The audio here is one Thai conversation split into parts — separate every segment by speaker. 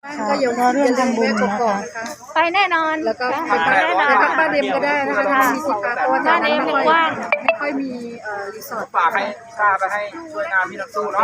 Speaker 1: ก็อย่าลืมทำบุญนะคะ
Speaker 2: ไปแน่นอน
Speaker 1: แล้วก็ไปแน่นอนไปบ้านเดมก็ได้นะคะถ้ามีสิทธิ์เพราะว่าบ้านเดมไม่ค่อยมีรีสอร์ท
Speaker 3: ฝากให้พิซซ่าไปให้ช่วยงานพี่นักสู้เนาะ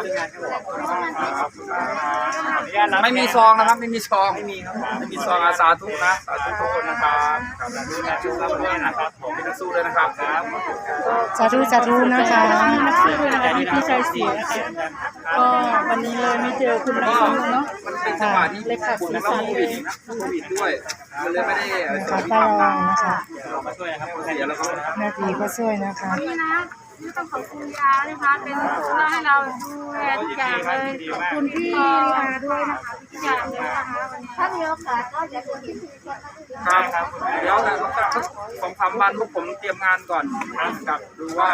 Speaker 3: ไม่มีซองนะครับไม่มีซองไม่มีซองอาสาทุกนะสาธุทุกคนนะครับดูแลชูรับด้วยนะครับผมพี่นักสู้เลยนะครับ
Speaker 1: สาธุสาธุนะคะ
Speaker 2: พี่ชายศรีก็วันนี้เลยไม่เจอคุณนักสู้เนาะ
Speaker 3: มันเป็นจังหวะที่คุณแล้วก็โควิดนะโควิดด้วยมันเลยไม่ได้
Speaker 1: ขอต้อนรับนะคะ
Speaker 3: มาช่วยครับเสียแล้วก็
Speaker 1: แม่พีก็ช่วยนะคะ
Speaker 2: นี่ต้องขอบคุณยานะคะเป็นผู้ให้เราดูแลทุกอย่างเลยขอบคุณพี่ยาด้วยนะคะทุกอย่างเลยนะคะวันนี้ถ้ามีโอกาสก็จะเห็น
Speaker 3: ครับเดี๋ยวนะ2-3 วันพวกผมเตรียมงานก่อนกับดูว่า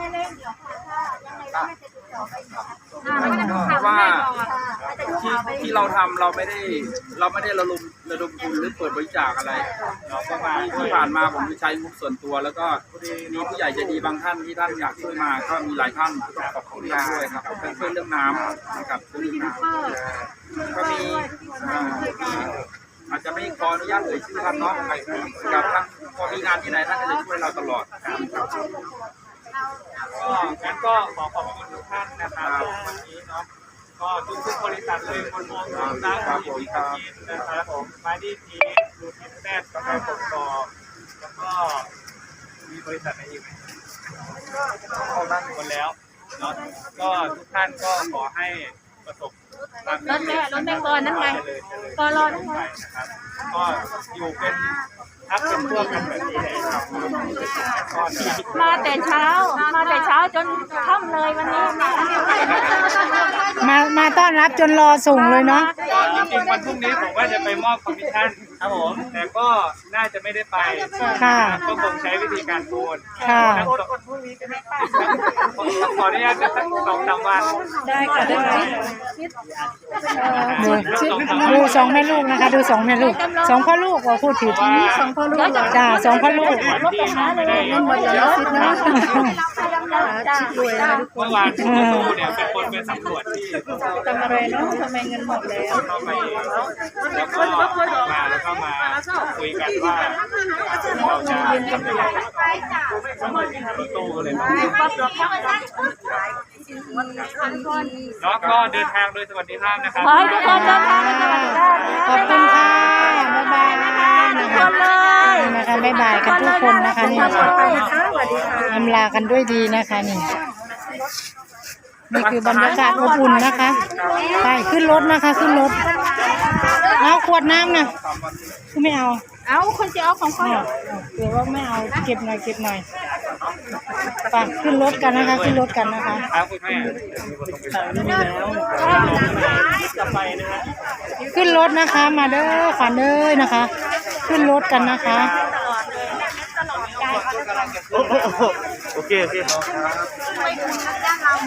Speaker 3: ที่เราทำเราไม่ได้ระดมทุนหรือเปิดบริจาคอะไรเราก็มาที่ผ่านมาผมใช้งบส่วนตัวแล้วก็มีผู้ใหญ่ใจดีบางท่านที่ท่านอยากช่วยมาก็มีหลายท่านขอบคุณด้วยครับเพื่อนเรื่องน้ำนะครับเรื่องน้ำก็มีอาจจะไม่ขออนุญาตเอ่ยชื่อท่านเนาะกับท่านพอมีงานที่ไหนท่านก็จะช่วยเราตลอดงั้นก็ขอบคุณทุกท่านนะครับวันนี้เนาะก็ทุกบริษัทเลยคนมองน้ำมีวิตามินนะครับผมมาดีทีดูทินแซ่บกาแฟผงกรอบแล้วก็มีบริษัทไหนอีกไหมก็เข้าบ้านหมดแล้วเนาะก็ทุกท่านก็ขอให้ประสบรถ
Speaker 2: แม่ก่อนนั่นไงก่อนรอนั่นไง
Speaker 3: นะครับก็อยู่เป็นทักเป็นพวกกันแบบนี้
Speaker 2: มาแต่เช้าจนค่ำเลยวันนี้
Speaker 1: มาต้อนรับจนรอส่งเลยเนาะ
Speaker 3: จริงๆวันพรุ่งนี้ผมว่าจะไปมอบคอมมิชชั่นครับผมแต่ก็น่าจะไม่ได้ไป
Speaker 1: ค่ะ
Speaker 3: ก็คงใช้วิธีการโอน
Speaker 1: ค่ะ
Speaker 3: พรุ่งนี้จะไม่ไปขออนุญาตจะสัก2-3 วัน
Speaker 2: ได้ค่ะได้
Speaker 1: ดู2 แม่ลูกนะคะดู2 แม่ลูก2 พ่อลูกว่าพูดผิด2 พ่อลูกจ้า2 พ่อลูก
Speaker 2: รถไปหาเลยเงินหมดแล้วคิดนะ
Speaker 3: เมื่อวานคุณสู้เนี่ยเป็นคนไปสำรวจที่
Speaker 2: ทำอะไรเนาะทำไมเงินหมดแล้ว
Speaker 3: แล้วก็มาคุยกันว่าเราจะทำยังไงตู้เลยแล้วก็เดินทางโดยสวัสดิภาพนะครับ
Speaker 2: ขอให้ทุกคนเดินทางโดยสวัสดิภาพ
Speaker 1: ขอบคุณค่ะบ๊ายบายนะคะบ๊ายบายกันทุกคนนะคะนี่อำลากันด้วยดีนะคะนี่คือบรรยากาศอบอุ่นนะคะไปขึ้นรถนะคะขึ้นรถเอาขวดน้ำนะคือไม่เอา
Speaker 2: คนจะเอาของเขา
Speaker 1: เดี๋ยวว่าไม่เอาเก็บหน่อยไปขึ้นรถกันนะคะขึ้นรถกันนะคะขึ้นรถนะคะมาเด้อขวัญเด้อนะคะขึ้นรถกันนะคะ
Speaker 3: โอเค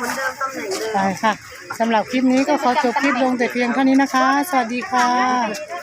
Speaker 1: ไปค่ะสำหรับคลิปนี้ก็ขอจบคลิปลงแต่เพียงเท่านี้นะคะสวัสดีค่ะ